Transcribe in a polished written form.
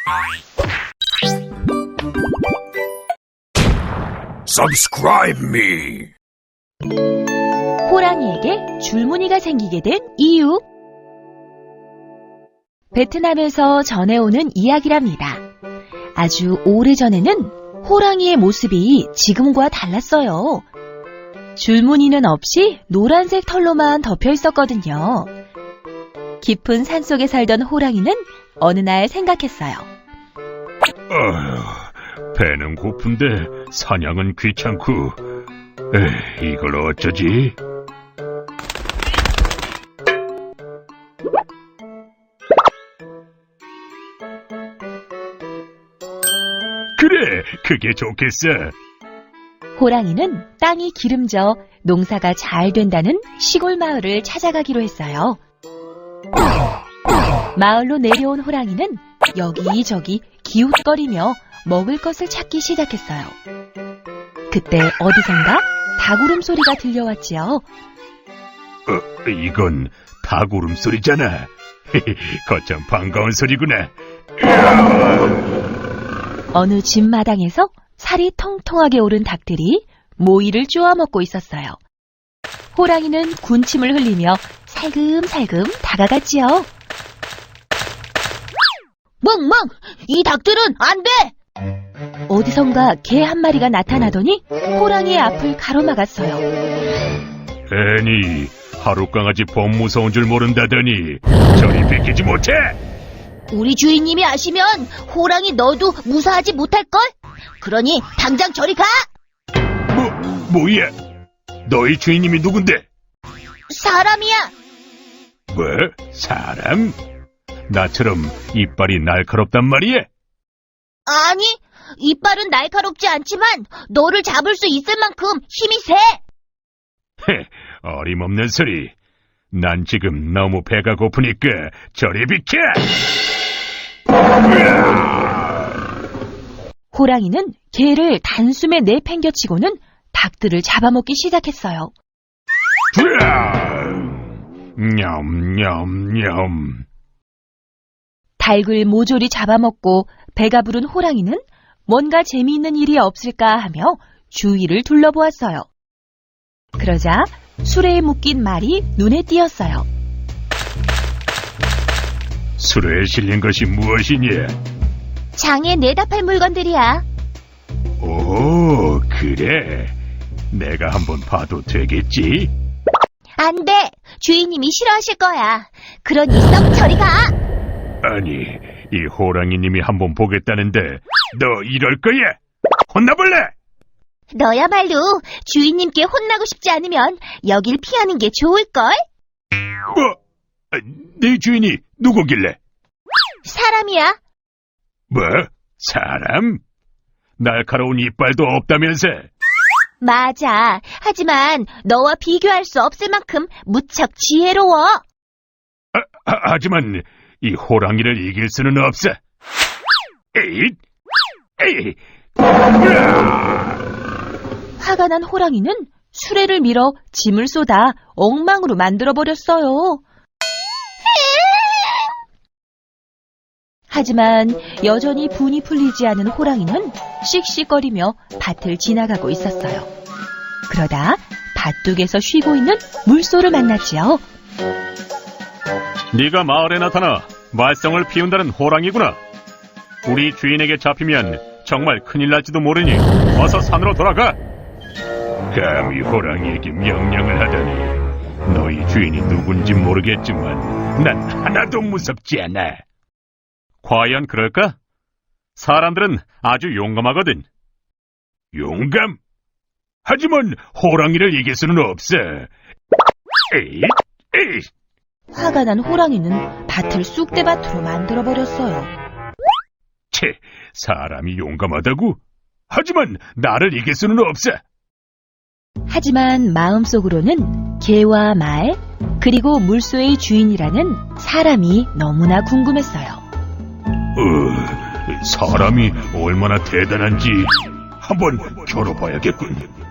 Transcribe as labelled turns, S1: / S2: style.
S1: Subscribe me.
S2: 호랑이에게 줄무늬가 생기게 된 이유. 베트남에서 전해오는 이야기랍니다. 아주 오래전에는 호랑이의 모습이 지금과 달랐어요. 줄무늬는 없이 노란색 털로만 덮여 있었거든요. 깊은 산속에 살던 호랑이는 어느 날 생각했어요.
S1: 배는 고픈데 사냥은 귀찮고, 이걸 어쩌지? 그래, 그게 좋겠어.
S2: 호랑이는 땅이 기름져 농사가 잘 된다는 시골 마을을 찾아가기로 했어요. 마을로 내려온 호랑이는 여기저기 기웃거리며 먹을 것을 찾기 시작했어요. 그때 어디선가 닭 울음소리가 들려왔지요.
S1: 이건 닭 울음소리잖아. 거참 반가운 소리구나.
S2: 어느 집 마당에서 살이 통통하게 오른 닭들이 모이를 쪼아먹고 있었어요. 호랑이는 군침을 흘리며 살금살금 다가갔지요. 멍멍! 이 닭들은 안 돼! 어디선가 개 한 마리가 나타나더니 호랑이의 앞을 가로막았어요.
S1: 애니, 하루 강아지 범 무서운 줄 모른다더니 저리 비키지 못해!
S3: 우리 주인님이 아시면 호랑이 너도 무사하지 못할걸? 그러니 당장 저리 가!
S1: 뭐야? 너희 주인님이 누군데?
S3: 사람이야!
S1: 뭐? 사람? 나처럼 이빨이 날카롭단 말이야?
S3: 아니, 이빨은 날카롭지 않지만 너를 잡을 수 있을 만큼 힘이 세!
S1: 어림없는 소리. 난 지금 너무 배가 고프니까 저리 비켜!
S2: 호랑이는 개를 단숨에 내팽겨치고는 닭들을 잡아먹기 시작했어요.
S1: 냠냠냠.
S2: 닭을 모조리 잡아먹고 배가 부른 호랑이는 뭔가 재미있는 일이 없을까 하며 주위를 둘러보았어요. 그러자 수레에 묶인 말이 눈에 띄었어요.
S1: 수레에 실린 것이 무엇이냐?
S3: 장에 내다 팔 물건들이야.
S1: 오, 그래. 내가 한번 봐도 되겠지?
S3: 안 돼! 주인님이 싫어하실 거야. 그러니 썩 저리 가!
S1: 아니, 이 호랑이님이 한번 보겠다는데 너 이럴 거야? 혼나볼래?
S3: 너야말로 주인님께 혼나고 싶지 않으면 여길 피하는 게 좋을걸?
S1: 네 주인이 누구길래?
S3: 사람이야.
S1: 뭐? 사람? 날카로운 이빨도 없다면서?
S3: 맞아. 하지만 너와 비교할 수 없을 만큼 무척 지혜로워.
S1: 하지만 이 호랑이를 이길 수는 없어. 에잇! 에잇!
S2: 화가 난 호랑이는 수레를 밀어 짐을 쏟아 엉망으로 만들어버렸어요. 하지만 여전히 분이 풀리지 않은 호랑이는 씩씩거리며 밭을 지나가고 있었어요. 그러다 밭둑에서 쉬고 있는 물소를 만났지요.
S4: 네가 마을에 나타나 말썽을 피운다는 호랑이구나. 우리 주인에게 잡히면 정말 큰일 날지도 모르니 어서 산으로 돌아가.
S1: 감히 호랑이에게 명령을 하다니. 너희 주인이 누군지 모르겠지만 난 하나도 무섭지 않아.
S4: 과연 그럴까? 사람들은 아주 용감하거든.
S1: 용감? 하지만 호랑이를 이길 수는 없어. 에잇! 에잇!
S2: 화가 난 호랑이는 밭을 쑥대밭으로 만들어버렸어요.
S1: 채, 사람이 용감하다고? 하지만 나를 이길 수는 없어.
S2: 하지만 마음속으로는 개와 말, 그리고 물소의 주인이라는 사람이 너무나 궁금했어요.
S1: 사람이 얼마나 대단한지 한번 겨뤄봐야겠군.